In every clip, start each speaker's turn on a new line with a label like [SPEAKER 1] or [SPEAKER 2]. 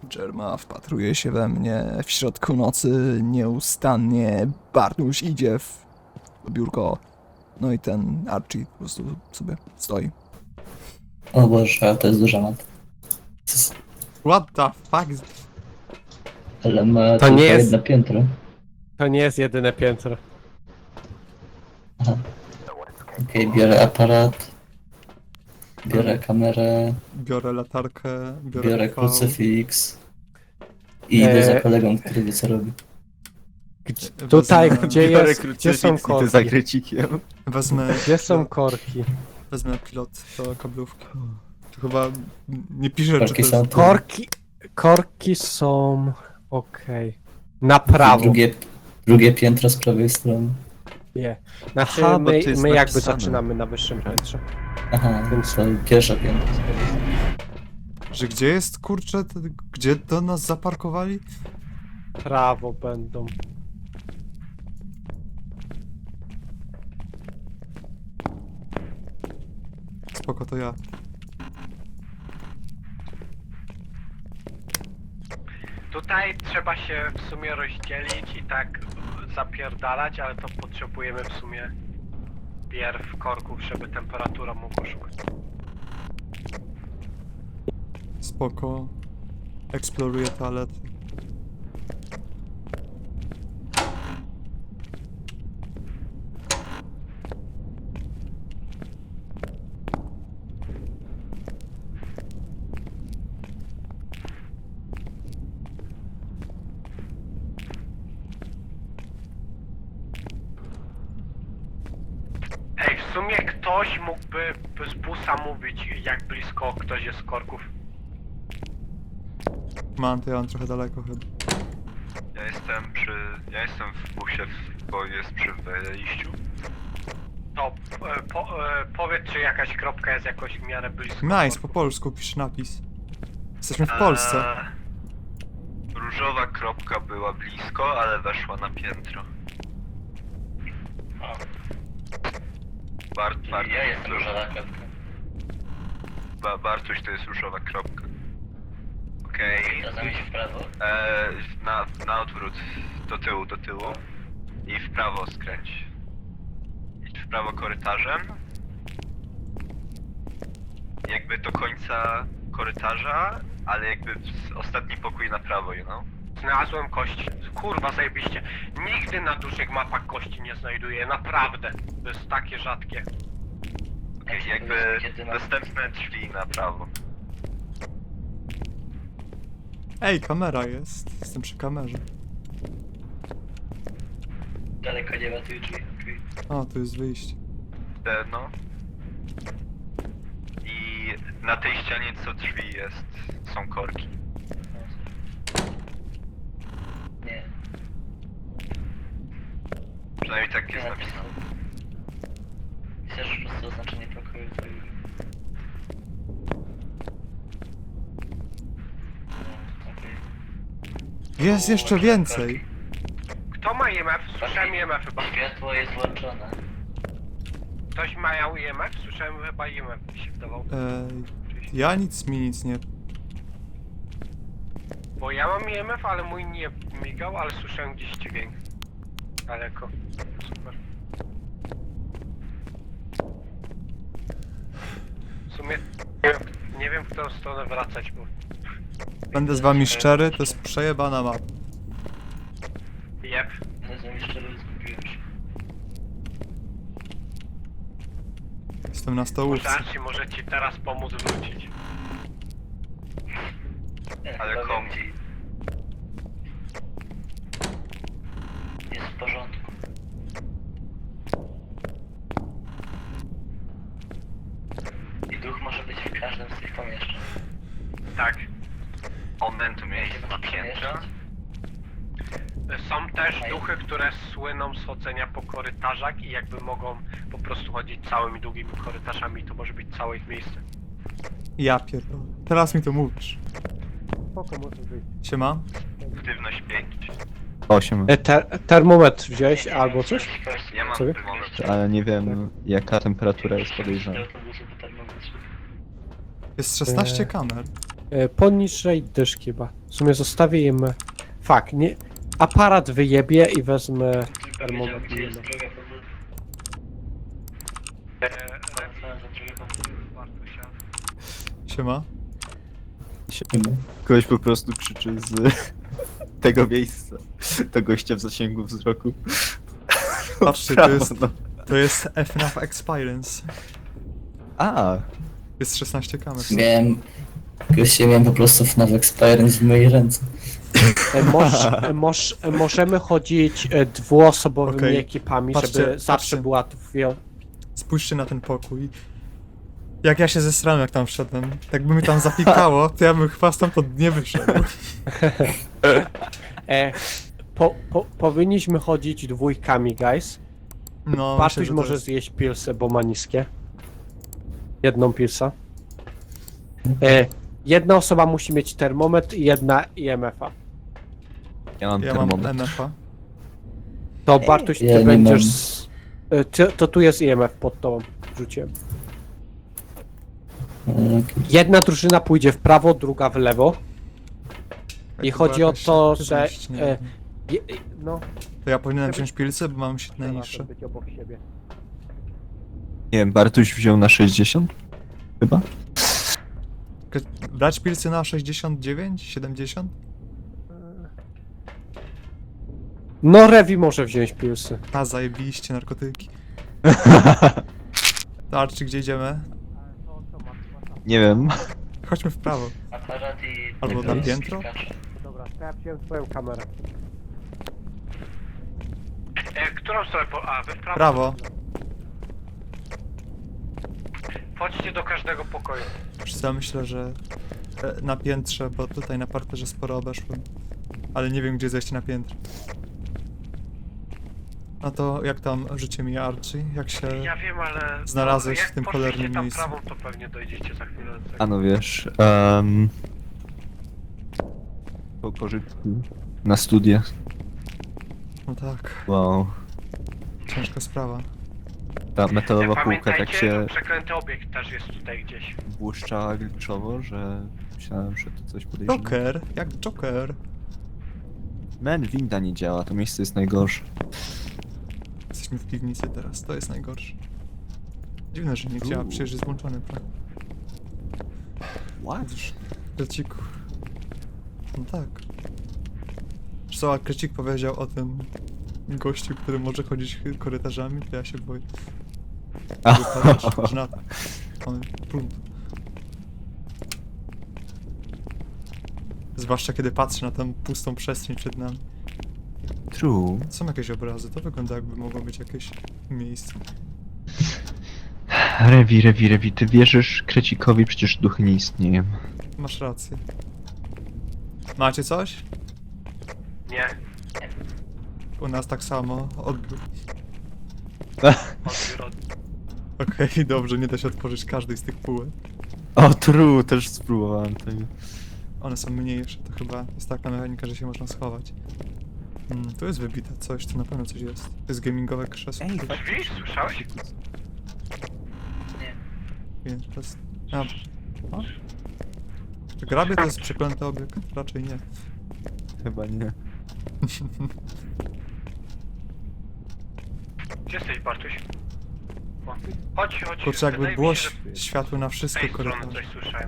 [SPEAKER 1] Dżerma wpatruje się we mnie w środku nocy nieustannie. Bartuś idzie w biurko. No i ten Archie po prostu sobie stoi.
[SPEAKER 2] O Boże, to jest duża mat.
[SPEAKER 1] What the fuck?
[SPEAKER 2] Ale ma
[SPEAKER 3] To
[SPEAKER 2] tylko
[SPEAKER 3] nie jest-
[SPEAKER 2] jedno piętro.
[SPEAKER 3] To nie jest jedyne piętro.
[SPEAKER 2] Okej, biorę aparat. Biorę kamerę.
[SPEAKER 1] Biorę latarkę,
[SPEAKER 2] Biorę
[SPEAKER 1] TV.
[SPEAKER 2] krucyfiks. I idę za
[SPEAKER 3] Eee.
[SPEAKER 2] kolegą, który wie co robi.
[SPEAKER 3] Tutaj,
[SPEAKER 1] Wezmę-
[SPEAKER 3] gdzie są korki?
[SPEAKER 4] za krecikiem.
[SPEAKER 1] Wezmę,
[SPEAKER 3] Gdzie są korki?
[SPEAKER 1] wezmę pilot do kablówki. To chyba nie pisze, czy to
[SPEAKER 2] Korki
[SPEAKER 1] jest...
[SPEAKER 2] są tu.
[SPEAKER 3] Korki są... Okej. Na prawo.
[SPEAKER 2] Drugie piętro z prawej strony.
[SPEAKER 3] Nie. Znaczy
[SPEAKER 4] Aha, bo to
[SPEAKER 3] my
[SPEAKER 4] jest
[SPEAKER 3] jakby
[SPEAKER 4] napisane.
[SPEAKER 3] zaczynamy na wyższym piętrze.
[SPEAKER 2] Aha,
[SPEAKER 3] Więc-
[SPEAKER 2] to pierwsze piętro.
[SPEAKER 1] Że gdzie jest, kurczę, gdzie do nas zaparkowali?
[SPEAKER 3] Prawo będą.
[SPEAKER 1] Spoko, to ja.
[SPEAKER 3] Tutaj trzeba się w sumie rozdzielić i tak zapierdalać, ale to potrzebujemy w sumie pierw korków, żeby temperatura mogła szukać.
[SPEAKER 1] Spoko. Eksploruję toalety.
[SPEAKER 3] Ej, w sumie ktoś mógłby z busa mówić, jak blisko ktoś jest z korków.
[SPEAKER 1] To ja mam trochę daleko chyba.
[SPEAKER 5] Ja jestem w busie, bo jest przy wejściu.
[SPEAKER 3] To powiedz, czy jakaś kropka jest jakoś w miarę blisko.
[SPEAKER 1] Nice, po polsku pisz napis. Jesteśmy w Polsce.
[SPEAKER 5] Różowa kropka była blisko, ale weszła na piętro.
[SPEAKER 2] Ja jestem różowa kropka.
[SPEAKER 5] Bartuś to jest różowa kropka. Okej.
[SPEAKER 2] Czasami się w prawo.
[SPEAKER 5] Na odwrót. Do tyłu. I w prawo skręć. Idź w prawo korytarzem. Jakby do końca korytarza, ale jakby ostatni pokój na prawo, you know?
[SPEAKER 3] Znalazłem kości. Kurwa, zajebiście. Nigdy na dużych mapach kości nie znajduję, naprawdę. To jest takie rzadkie.
[SPEAKER 5] Okej, jakby następne drzwi na prawo.
[SPEAKER 1] Ej, kamera jest. Jestem przy kamerze.
[SPEAKER 2] Daleko nie ma tych drzwi.
[SPEAKER 1] O, tu jest wyjście.
[SPEAKER 5] No. I na tej ścianie co drzwi są korki.
[SPEAKER 2] Nie.
[SPEAKER 5] Przynajmniej tak jest
[SPEAKER 2] Nie
[SPEAKER 5] napisane.
[SPEAKER 2] Chcesz po prostu oznaczenie pokoju.
[SPEAKER 1] Jest jeszcze więcej.
[SPEAKER 3] Kto ma IMF? Słyszałem IMF chyba.
[SPEAKER 2] Światło jest włączone.
[SPEAKER 3] Ktoś ma IMF? Słyszałem chyba IMF mi się wydawał.
[SPEAKER 1] Ja nic nie...
[SPEAKER 3] Bo ja mam IMF, ale mój nie migał, ale słyszałem gdzieś dźwięk. Daleko. Super. W sumie nie wiem w którą stronę wracać, bo...
[SPEAKER 1] Będę z wami szczery, to jest przejebana mapa.
[SPEAKER 3] Jep.
[SPEAKER 2] Nazwę mi szczerze, zgubiłem się.
[SPEAKER 1] Jestem na stołówce.
[SPEAKER 3] Może ci teraz pomóc wrócić.
[SPEAKER 5] Ale
[SPEAKER 2] powiem
[SPEAKER 5] komu?
[SPEAKER 2] ci. Jest w porządku. I duch może być w każdym z tych pomieszczeń.
[SPEAKER 3] Tak.
[SPEAKER 5] Momentum miejsce na piętrze.
[SPEAKER 3] Są też duchy, które słyną z chodzenia po korytarzach i jakby mogą po prostu chodzić całymi długimi korytarzami, to może być całe ich miejsce.
[SPEAKER 1] Ja pierdolę. Teraz mi to mówisz.
[SPEAKER 3] Spoko, może być.
[SPEAKER 1] Siema?
[SPEAKER 5] Aktywność 5.
[SPEAKER 4] 8,
[SPEAKER 3] Termometr wziąłeś albo coś?
[SPEAKER 5] Ja mam
[SPEAKER 3] Sobie?
[SPEAKER 5] termometr.
[SPEAKER 4] ale nie wiem jaka temperatura jest podejrzana.
[SPEAKER 1] Jest 16 kamer.
[SPEAKER 3] Poniżej dyszki chyba. W sumie zostawię im... Fuck, nie... Aparat wyjebie i wezmę
[SPEAKER 2] Wiedział,
[SPEAKER 3] termometr.
[SPEAKER 2] gdzie jest druga komórka. Wracałem do drugiej komórki.
[SPEAKER 1] Siema.
[SPEAKER 4] Kogoś po prostu krzyczy z tego miejsca. To gościa w zasięgu wzroku.
[SPEAKER 1] Patrzcie,
[SPEAKER 4] Brawo,
[SPEAKER 1] to jest,
[SPEAKER 4] no.
[SPEAKER 1] to jest FNAF Experience.
[SPEAKER 4] A,
[SPEAKER 1] Jest 16 kamer.
[SPEAKER 6] Miałem po prostu FNAF Experience w mojej ręce.
[SPEAKER 3] Możemy chodzić dwuosobowymi
[SPEAKER 1] Okej.
[SPEAKER 3] ekipami,
[SPEAKER 1] Patrzcie,
[SPEAKER 3] żeby zawsze
[SPEAKER 1] patrzcie.
[SPEAKER 3] była dwie...
[SPEAKER 1] Spójrzcie na ten pokój. Jak ja się zesrałem, jak tam wszedłem. Jakby mi tam zapikało, to ja bym chyba stamtąd nie wyszedł.
[SPEAKER 3] Powinniśmy chodzić dwójkami, guys.
[SPEAKER 1] No,
[SPEAKER 3] Bartuś
[SPEAKER 1] myślę, że to
[SPEAKER 3] może
[SPEAKER 1] jest...
[SPEAKER 3] zjeść pilsę, bo ma niskie. Jedną pilsę. Jedna osoba musi mieć termometr i jedna IMF-a.
[SPEAKER 4] ja mam
[SPEAKER 1] Ja mam
[SPEAKER 4] termometr.
[SPEAKER 1] MF-a.
[SPEAKER 3] To Bartuś, ty
[SPEAKER 6] ja nie
[SPEAKER 3] będziesz...
[SPEAKER 6] mam.
[SPEAKER 3] To tu jest IMF pod tobą. Rzuciłem.
[SPEAKER 6] Okej.
[SPEAKER 3] Jedna drużyna pójdzie w prawo, druga w lewo. I
[SPEAKER 1] Jak
[SPEAKER 3] chodzi
[SPEAKER 1] była
[SPEAKER 3] o
[SPEAKER 1] jakaś
[SPEAKER 3] to, że...
[SPEAKER 1] aktywność, nie wiem.
[SPEAKER 3] No,
[SPEAKER 1] To ja powinienem
[SPEAKER 3] żeby-
[SPEAKER 1] wziąć pilce, bo mam się najniższe.
[SPEAKER 3] być obok siebie.
[SPEAKER 4] Nie wiem, Bartuś wziął na 60? Chyba?
[SPEAKER 1] Brać pilce na 69? 70?
[SPEAKER 3] No, Revi może wziąć pilsy.
[SPEAKER 1] A, zajebiliście narkotyki. Tarczy, gdzie idziemy?
[SPEAKER 4] Nie wiem.
[SPEAKER 1] Chodźmy w prawo.
[SPEAKER 2] Aparat i...
[SPEAKER 1] Albo na piętro?
[SPEAKER 3] Dobra, to ja wziąłem swoją kamerę. Którą stronę A, wy w prawo?
[SPEAKER 1] Prawo.
[SPEAKER 3] Chodźcie do każdego pokoju.
[SPEAKER 1] Wiesz co, ja myślę, że na piętrze, bo tutaj na parterze sporo obeszłem. Ale nie wiem, gdzie zejść na piętro. No to jak tam życie mija, Archie? Jak się...
[SPEAKER 3] Ja wiem, ale...
[SPEAKER 1] Znalazłeś
[SPEAKER 3] jak
[SPEAKER 1] w tym
[SPEAKER 3] poszliście
[SPEAKER 1] cholernym
[SPEAKER 3] tam
[SPEAKER 1] miejscu.
[SPEAKER 3] prawą, to pewnie dojdziecie za chwilę do tego.
[SPEAKER 4] A no wiesz, po pożytku na studiach.
[SPEAKER 1] No tak,
[SPEAKER 4] Wow.
[SPEAKER 1] ciężka sprawa.
[SPEAKER 4] Ta metalowa półka tak
[SPEAKER 3] Pamiętajcie,
[SPEAKER 4] się
[SPEAKER 3] przeklęty obiekt też jest tutaj gdzieś.
[SPEAKER 4] błyszczała glitchowo, że myślałem, że to coś podejrzewa.
[SPEAKER 1] Joker, jak Joker.
[SPEAKER 4] Man, winda nie działa, to miejsce jest najgorsze.
[SPEAKER 1] Jesteśmy w piwnicy teraz, to jest najgorsze. Dziwne, że nie działa, przecież jest włączony plan.
[SPEAKER 4] What?
[SPEAKER 1] Widzisz, Kreciku. No tak. Wiesz co, a Krecik powiedział o tym gościu, który może chodzić korytarzami, to ja się boję. Że na to. On prąd. Zwłaszcza kiedy patrzę na tę pustą przestrzeń przed nami.
[SPEAKER 4] True.
[SPEAKER 1] Są jakieś obrazy, to wygląda jakby mogło być jakieś miejsce.
[SPEAKER 5] Rewi, ty wierzysz Krecikowi, przecież duchy nie istnieją.
[SPEAKER 1] Masz rację. Macie coś?
[SPEAKER 3] Nie.
[SPEAKER 1] U nas tak samo. Odbiór.
[SPEAKER 3] Odbiór od...
[SPEAKER 1] Okej, dobrze, nie da się otworzyć każdej z tych półek.
[SPEAKER 4] O, true, też spróbowałem tego.
[SPEAKER 1] One są mniejsze, to chyba jest taka mechanika, że się można schować. Tu jest wybite coś, to na pewno coś jest. To jest gamingowe krzesło.
[SPEAKER 4] Ej,
[SPEAKER 3] Drzwi? Słyszałeś?
[SPEAKER 2] Nie.
[SPEAKER 1] Więc to jest... A. Czy grabie to jest przeklęty obiekt? Raczej nie.
[SPEAKER 4] Chyba nie.
[SPEAKER 3] Gdzie jesteś, Bartuś? O, chodź.
[SPEAKER 1] Kurczę, jakby
[SPEAKER 3] Wydaje
[SPEAKER 1] było
[SPEAKER 3] mi się, że
[SPEAKER 1] światło na
[SPEAKER 3] z
[SPEAKER 1] wszystkie
[SPEAKER 3] tej strony
[SPEAKER 1] korytarze.
[SPEAKER 3] coś słyszałem.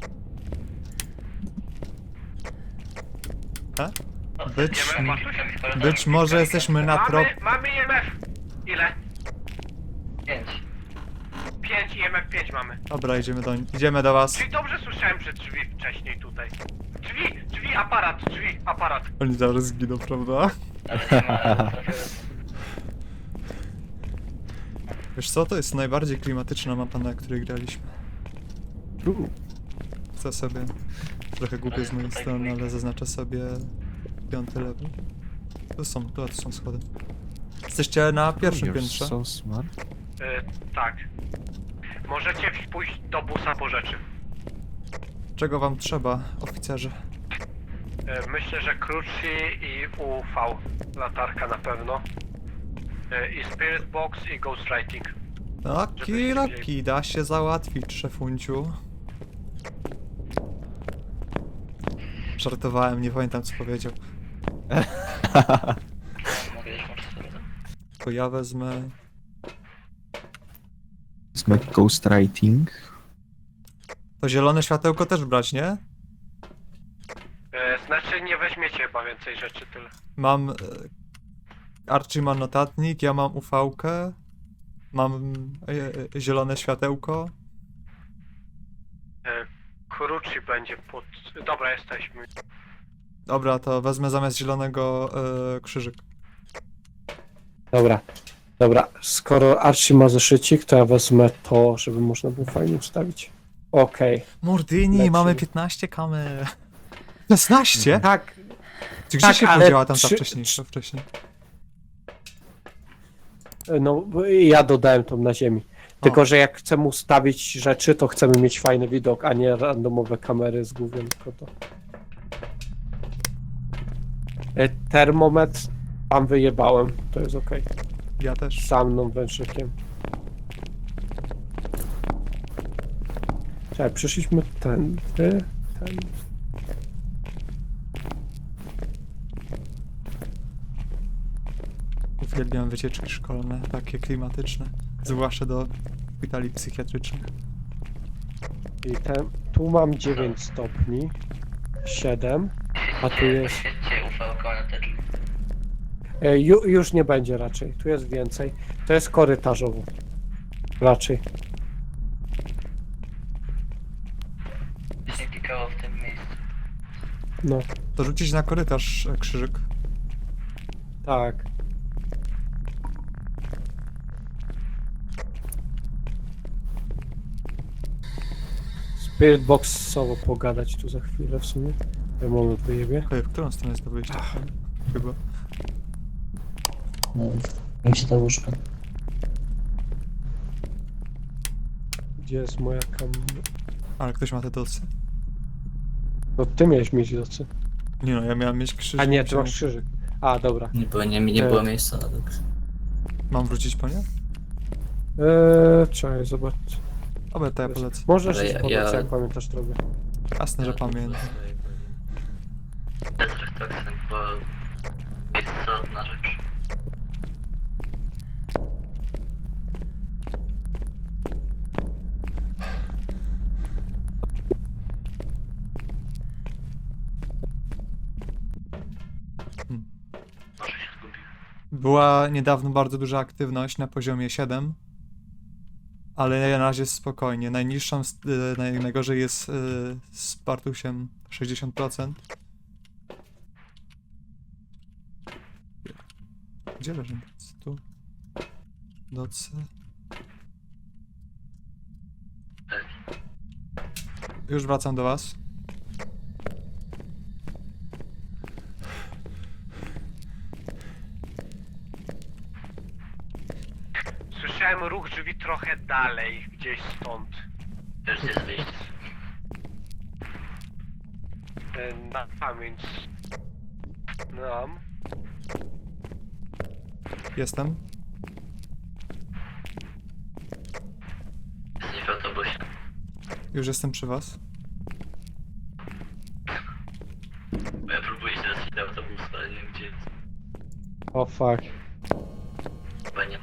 [SPEAKER 1] Być,
[SPEAKER 3] Idziemy, Bartuś?
[SPEAKER 1] być może jesteśmy na trop...
[SPEAKER 3] Mamy IMF! Ile?
[SPEAKER 2] 5.
[SPEAKER 3] 5, IMF 5 mamy.
[SPEAKER 1] Dobra, idziemy do was.
[SPEAKER 3] Czyli dobrze słyszałem, że drzwi wcześniej tutaj. Drzwi, aparat.
[SPEAKER 1] Oni zaraz zginą, prawda?
[SPEAKER 2] Ale nie ma, ale trafiłem.
[SPEAKER 1] Wiesz co, to jest najbardziej klimatyczna mapa, na której graliśmy.
[SPEAKER 4] True.
[SPEAKER 1] Chcę sobie... Trochę głupie z mojej strony, ale zaznaczę sobie 5. level. Tu są schody. Jesteście na pierwszym
[SPEAKER 4] You're
[SPEAKER 1] piętrze.
[SPEAKER 4] so smart.
[SPEAKER 3] Tak. Możecie pójść do busa po rzeczy.
[SPEAKER 1] Czego wam trzeba, oficerze?
[SPEAKER 3] Myślę, że Cruci i UV. Latarka na pewno. I Spirit Box i Ghostwriting.
[SPEAKER 1] Taki, da się załatwić, szefunciu. Żartowałem, nie pamiętam co powiedział.
[SPEAKER 2] Mogę już włączyć sobie to.
[SPEAKER 1] To ja wezmę...
[SPEAKER 4] Wezmę ghostwriting.
[SPEAKER 1] To zielone światełko też brać, nie?
[SPEAKER 3] Znaczy nie weźmiecie chyba więcej rzeczy, tyle.
[SPEAKER 1] Mam... Archie ma notatnik, ja mam UV-kę. Mam zielone światełko.
[SPEAKER 3] Kuruchi będzie pod... Dobra, jesteśmy.
[SPEAKER 1] Dobra, to wezmę zamiast zielonego krzyżyk.
[SPEAKER 7] Dobra, skoro Archie ma zeszycik, to ja wezmę to, żeby można było fajnie ustawić. Okej.
[SPEAKER 1] Mordyni,
[SPEAKER 7] Lecimy.
[SPEAKER 1] mamy 15 kamer. 16?
[SPEAKER 7] Tak,
[SPEAKER 1] Czy gdzie
[SPEAKER 7] tak,
[SPEAKER 1] się
[SPEAKER 7] ale
[SPEAKER 1] podziała tam ta
[SPEAKER 7] trzy-
[SPEAKER 1] wcześniejsza wcześniej?
[SPEAKER 7] no bo ja dodałem to na ziemi. Tylko, że jak chcemy ustawić rzeczy, to chcemy mieć fajny widok, a nie randomowe kamery z głównym tylko to. Termometr tam wyjebałem, to jest okej.
[SPEAKER 1] Ja też.
[SPEAKER 7] Za mną wężykiem. Czekaj, przyszliśmy ten.
[SPEAKER 1] Uwielbiam wycieczki szkolne, takie klimatyczne. Zwłaszcza do szpitali psychiatrycznych.
[SPEAKER 7] I tu mam 9 stopni. 7. A tu jest...
[SPEAKER 2] Świećcie ufałko na te drzwi.
[SPEAKER 7] Już nie będzie raczej. Tu jest więcej. To jest korytarzowo. Raczej.
[SPEAKER 2] Się klikało w tym miejscu.
[SPEAKER 7] No,
[SPEAKER 1] To rzucić na korytarz krzyżyk.
[SPEAKER 7] tak. Spirit boxowo pogadać tu za chwilę w sumie. Ja moment wyjebie.
[SPEAKER 1] Ej, w którą stronę jest to wyjście? Chyba.
[SPEAKER 6] No, gdzie to łóżko?
[SPEAKER 7] Gdzie jest moja
[SPEAKER 1] Ale ktoś ma te docy.
[SPEAKER 7] No ty miałeś mieć docy.
[SPEAKER 1] Nie no, ja miałem mieć krzyżyk.
[SPEAKER 7] A nie, ty
[SPEAKER 1] musiałem-
[SPEAKER 7] masz krzyżyk. A, dobra.
[SPEAKER 6] Nie było miejsca na to.
[SPEAKER 1] Mam wrócić po nie?
[SPEAKER 7] Czekaj, zobacz.
[SPEAKER 1] Dobra, to ja polecę.
[SPEAKER 7] Możesz
[SPEAKER 6] Ale
[SPEAKER 7] iść
[SPEAKER 6] ja-
[SPEAKER 7] po
[SPEAKER 6] ja-
[SPEAKER 7] docy, jak pamiętasz drogę.
[SPEAKER 1] Jasne, że pamiętam.
[SPEAKER 2] Bez refleksji, bo jest istotna rzecz. Może się zgubił.
[SPEAKER 1] Była niedawno bardzo duża aktywność na poziomie 7. Ale na razie spokojnie. Najniższą, najgorzej jest z Partusiem 60%. Gdzie leży docy? Tu. Docy. Już wracam do was.
[SPEAKER 3] Słyszałem ruch drzwi trochę dalej, gdzieś stąd.
[SPEAKER 2] Też jest wyjście.
[SPEAKER 3] Na pamięć. Nam.
[SPEAKER 1] Jestem.
[SPEAKER 2] Jesteś w autobusie.
[SPEAKER 1] Już jestem przy was.
[SPEAKER 2] Bo ja próbuję się dostać do autobusu, ale nie wiem gdzie jest.
[SPEAKER 7] O fuck.
[SPEAKER 2] Chyba nie.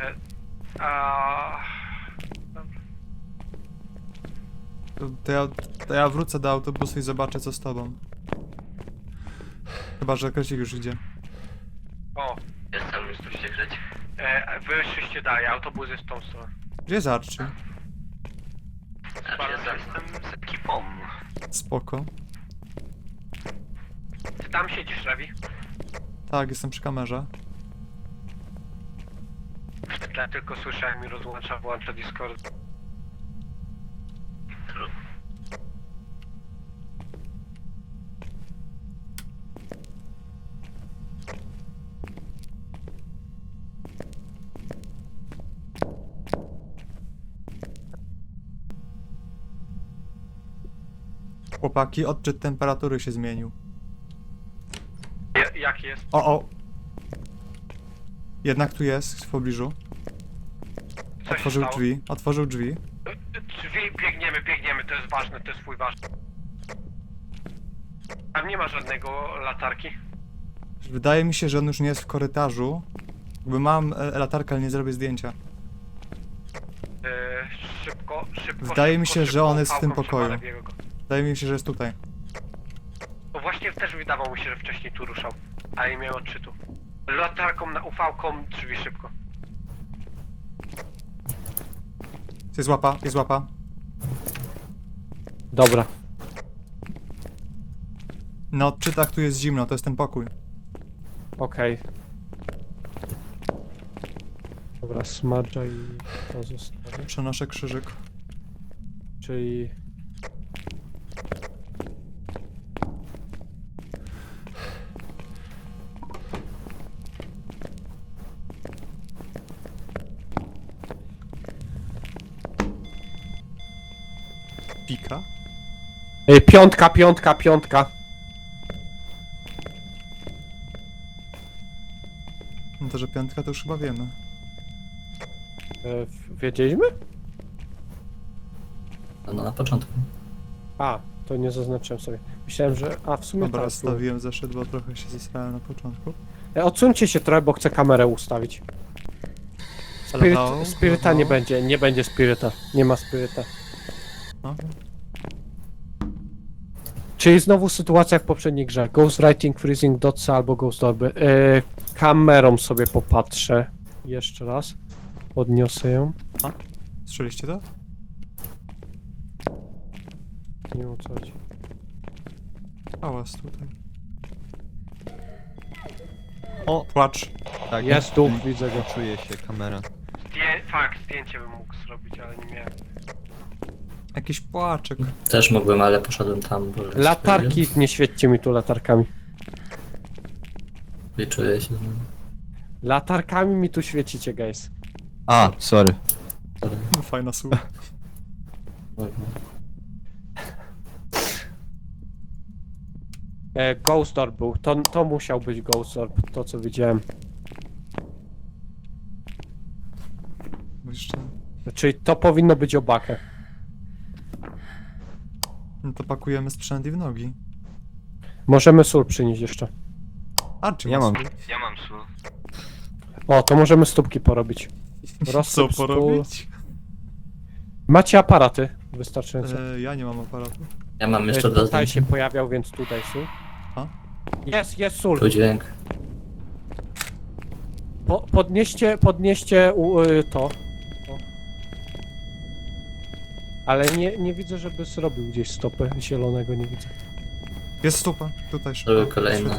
[SPEAKER 1] To ja wrócę do autobusu i zobaczę co z tobą. Chyba, że Krecik już idzie.
[SPEAKER 3] O,
[SPEAKER 2] Jestem już tu się kręci.
[SPEAKER 3] wyszliście dalej, autobus jest w tą stronę.
[SPEAKER 1] Gdzie jest Archie?
[SPEAKER 2] Znaczy jestem z ekipą.
[SPEAKER 1] Spoko.
[SPEAKER 3] Ty tam siedzisz, Ravi?
[SPEAKER 1] Tak, jestem przy kamerze.
[SPEAKER 3] W tle tylko słyszę, jak mi rozłącza, włącza Discord.
[SPEAKER 1] Chłopaki, odczyt temperatury się zmienił.
[SPEAKER 3] Jak jest?
[SPEAKER 1] O! Jednak tu jest, w pobliżu.
[SPEAKER 3] Co się
[SPEAKER 1] Otworzył
[SPEAKER 3] stało?
[SPEAKER 1] drzwi, otworzył drzwi.
[SPEAKER 3] Drzwi, biegniemy, to jest ważne, to jest twój ważny. Tam nie ma żadnego latarki.
[SPEAKER 1] Wydaje mi się, że on już nie jest w korytarzu. Jakby mam latarkę, ale nie zrobię zdjęcia.
[SPEAKER 3] Szybko.
[SPEAKER 1] Wydaje mi się,
[SPEAKER 3] szybko,
[SPEAKER 1] że on jest w
[SPEAKER 3] pałką
[SPEAKER 1] tym pokoju.
[SPEAKER 3] przemalę go.
[SPEAKER 1] Wydaje mi się, że jest tutaj.
[SPEAKER 3] No właśnie też wydawało mi się, że wcześniej tu ruszał, ale nie miał odczytu. Latarką na UV-ką drzwi szybko.
[SPEAKER 1] Jest łapa, jest łapa.
[SPEAKER 7] Dobra.
[SPEAKER 1] Na odczytach tu jest zimno, to jest ten pokój.
[SPEAKER 7] Okej. Dobra, smadża i to zostawię.
[SPEAKER 1] Przenoszę krzyżyk.
[SPEAKER 7] Czyli...
[SPEAKER 1] Pika.
[SPEAKER 7] Piątka.
[SPEAKER 1] No to, że piątka to już chyba wiemy.
[SPEAKER 7] Wiedzieliśmy?
[SPEAKER 6] No na początku.
[SPEAKER 7] A, to nie zaznaczyłem sobie. Myślałem, że... A, w sumie
[SPEAKER 1] Dobra,
[SPEAKER 7] tak.
[SPEAKER 1] stawiłem zeszyt, bo trochę się zesrałem na początku.
[SPEAKER 7] Odsuńcie się trochę, bo chcę kamerę ustawić.
[SPEAKER 1] Hello?
[SPEAKER 7] Spiryta nie będzie, nie będzie spiryta. Nie ma spiryta.
[SPEAKER 1] No.
[SPEAKER 7] Czyli znowu sytuacja jak w poprzedniej grze. Ghostwriting, freezing dots albo ghost orby. Kamerą sobie popatrzę. Jeszcze raz. Podniosę ją.
[SPEAKER 1] Słyszeliście to?
[SPEAKER 7] Nie wiem o co chodzi.
[SPEAKER 1] Hałas tutaj. O, płacz.
[SPEAKER 4] Tak,
[SPEAKER 7] Jest duch, widzę go.
[SPEAKER 4] Czuję się, kamera.
[SPEAKER 3] Zdjęcie bym mógł zrobić, ale nie miałem.
[SPEAKER 1] Jakiś płaczek.
[SPEAKER 6] Też mógłbym, ale poszedłem tam, bo...
[SPEAKER 7] Latarki, nie świećcie mi tu latarkami.
[SPEAKER 6] I czuję się...
[SPEAKER 7] Latarkami mi tu świecicie, guys.
[SPEAKER 4] A, sorry.
[SPEAKER 1] Fajna słowa.
[SPEAKER 7] Ghost orb był. To musiał być ghost orb, to co widziałem.
[SPEAKER 1] Jeszcze...
[SPEAKER 7] Czyli to powinno być obakę.
[SPEAKER 1] No to pakujemy sprzęt i w nogi.
[SPEAKER 7] Możemy sól przynieść jeszcze.
[SPEAKER 1] A, czy
[SPEAKER 4] Ja mam.
[SPEAKER 5] Ja mam sól.
[SPEAKER 7] O, to możemy stópki porobić.
[SPEAKER 1] Co
[SPEAKER 7] Rozsyp stół.
[SPEAKER 1] porobić?
[SPEAKER 7] Macie aparaty wystarczająco.
[SPEAKER 1] Ja nie mam aparatu.
[SPEAKER 6] Ja mam jeszcze dwa
[SPEAKER 7] Tutaj się
[SPEAKER 6] zdjęcia.
[SPEAKER 7] pojawiał, więc tutaj sól.
[SPEAKER 1] A?
[SPEAKER 7] Jest sól.
[SPEAKER 6] Tu dźwięk.
[SPEAKER 7] Podnieście to. O. Ale nie widzę, żeby zrobił gdzieś stopę zielonego, nie widzę.
[SPEAKER 1] Jest stupa, tutaj
[SPEAKER 6] Były
[SPEAKER 1] szybko.
[SPEAKER 6] kolejne.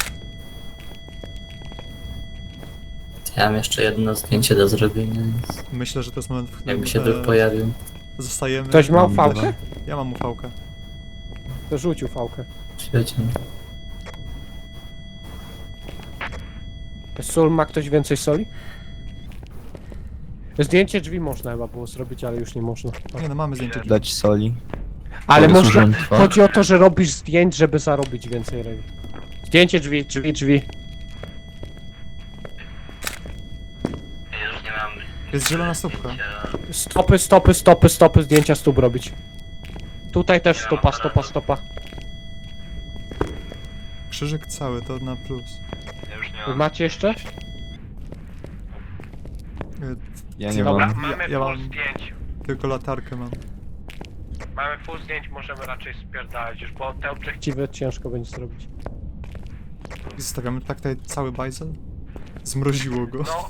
[SPEAKER 6] Ja mam jeszcze jedno zdjęcie do zrobienia, więc
[SPEAKER 1] Myślę, że to jest moment, w
[SPEAKER 6] jakby
[SPEAKER 1] którym
[SPEAKER 6] się duch pojawił.
[SPEAKER 1] zostajemy.
[SPEAKER 7] Ktoś ma
[SPEAKER 4] Mam
[SPEAKER 7] fałkę?
[SPEAKER 4] dwa.
[SPEAKER 1] Ja mam ufałkę.
[SPEAKER 7] To rzucił fałkę.
[SPEAKER 6] Świecie.
[SPEAKER 7] Sól, ma ktoś więcej soli? Zdjęcie drzwi można chyba było zrobić, ale już nie można.
[SPEAKER 1] Nie no, mamy zdjęcie.
[SPEAKER 4] Dać soli.
[SPEAKER 7] Ale
[SPEAKER 4] Powiedz,
[SPEAKER 7] można.
[SPEAKER 4] urząd trwa.
[SPEAKER 7] Chodzi o to, że robisz zdjęć, żeby zarobić więcej reli. Zdjęcie drzwi.
[SPEAKER 5] Ja już nie mam...
[SPEAKER 1] Jest zielona słupka.
[SPEAKER 7] Stopy, zdjęcia stóp robić. Tutaj też stopa.
[SPEAKER 1] Krzyżyk cały, to na plus.
[SPEAKER 5] Ja już nie mam...
[SPEAKER 7] Macie jeszcze?
[SPEAKER 1] Y,
[SPEAKER 4] Ja nie
[SPEAKER 3] Dobra,
[SPEAKER 4] mam.
[SPEAKER 3] mamy
[SPEAKER 1] ja
[SPEAKER 3] full
[SPEAKER 1] mam-
[SPEAKER 3] zdjęć.
[SPEAKER 1] Tylko latarkę mam.
[SPEAKER 3] Mamy full zdjęć, możemy raczej spierdalać już, bo te obiektywy...
[SPEAKER 7] Właściwie ciężko będzie zrobić.
[SPEAKER 1] I zostawiamy tak tutaj cały bajzel? Zmroziło go.
[SPEAKER 3] No...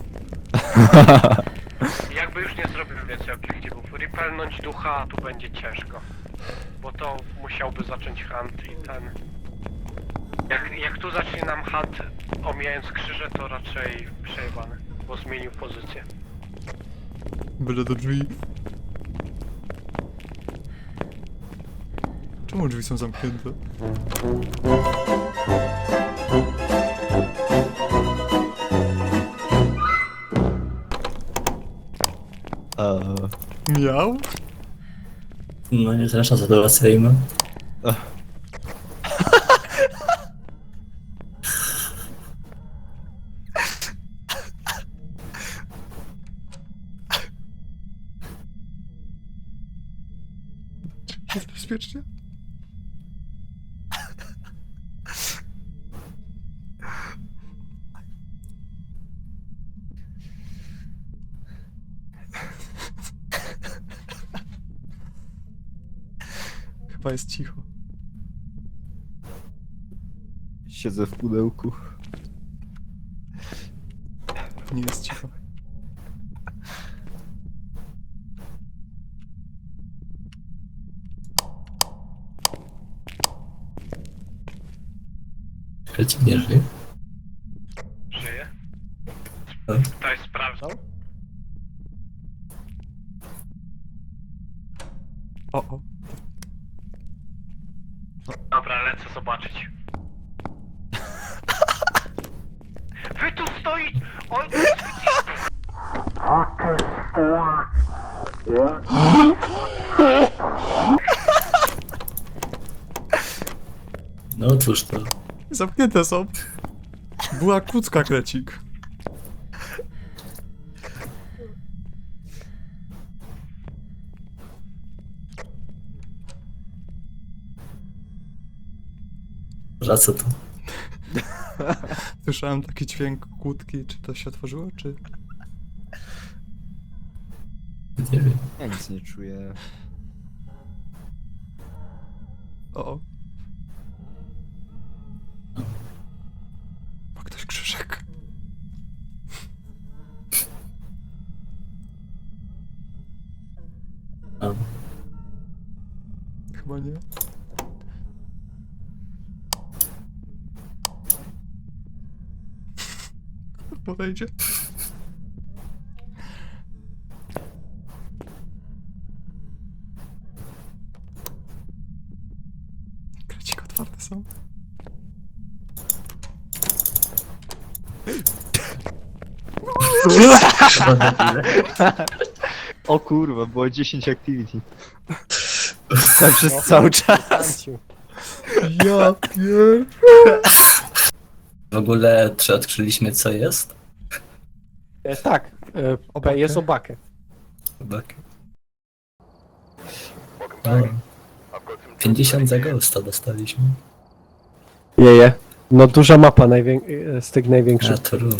[SPEAKER 3] Jakby już nie zrobimy więcej obiektywów. Repelnąć ducha tu będzie ciężko. Bo to musiałby zacząć hunt i ten... Jak tu zacznie nam hunt omijając krzyże, to raczej przejebane. Bo zmienił pozycję.
[SPEAKER 1] Byle do drzwi. Czemu drzwi są zamknięte? Miał?
[SPEAKER 6] No nie zresztą sytuacyjna.
[SPEAKER 1] Jest bezpiecznie? Chyba jest cicho.
[SPEAKER 4] Siedzę w pudełku.
[SPEAKER 1] Nie jest cicho.
[SPEAKER 6] Krecik nie żyje.
[SPEAKER 3] Żyje?
[SPEAKER 6] No.
[SPEAKER 3] Ktoś sprawdzał?
[SPEAKER 1] O.
[SPEAKER 3] Dobra, lecę zobaczyć. Wy tu stoi! Oj,
[SPEAKER 6] No cóż to.
[SPEAKER 1] Zamknięte są. Była kłódka, Krecik.
[SPEAKER 6] Za co to?
[SPEAKER 1] Słyszałem taki dźwięk kłódki. Czy to się otworzyło, czy...
[SPEAKER 6] Nie wiem.
[SPEAKER 4] Ja nic nie czuję.
[SPEAKER 1] O. Ma ktoś krzyżyk?
[SPEAKER 6] A,
[SPEAKER 1] Chyba nie. Podejdzie. Krecik otwarte są.
[SPEAKER 4] O kurwa, było 10 activity. Tak przez cały czas.
[SPEAKER 7] Kanciu.
[SPEAKER 1] Ja pier...
[SPEAKER 6] w ogóle czy odkryliśmy co jest?
[SPEAKER 7] Tak,
[SPEAKER 1] Obakę.
[SPEAKER 7] jest obakę.
[SPEAKER 6] Chłopaki. O, 50 za ghosta dostaliśmy.
[SPEAKER 7] Jeje. No duża mapa z tych
[SPEAKER 6] A
[SPEAKER 7] największych.
[SPEAKER 6] to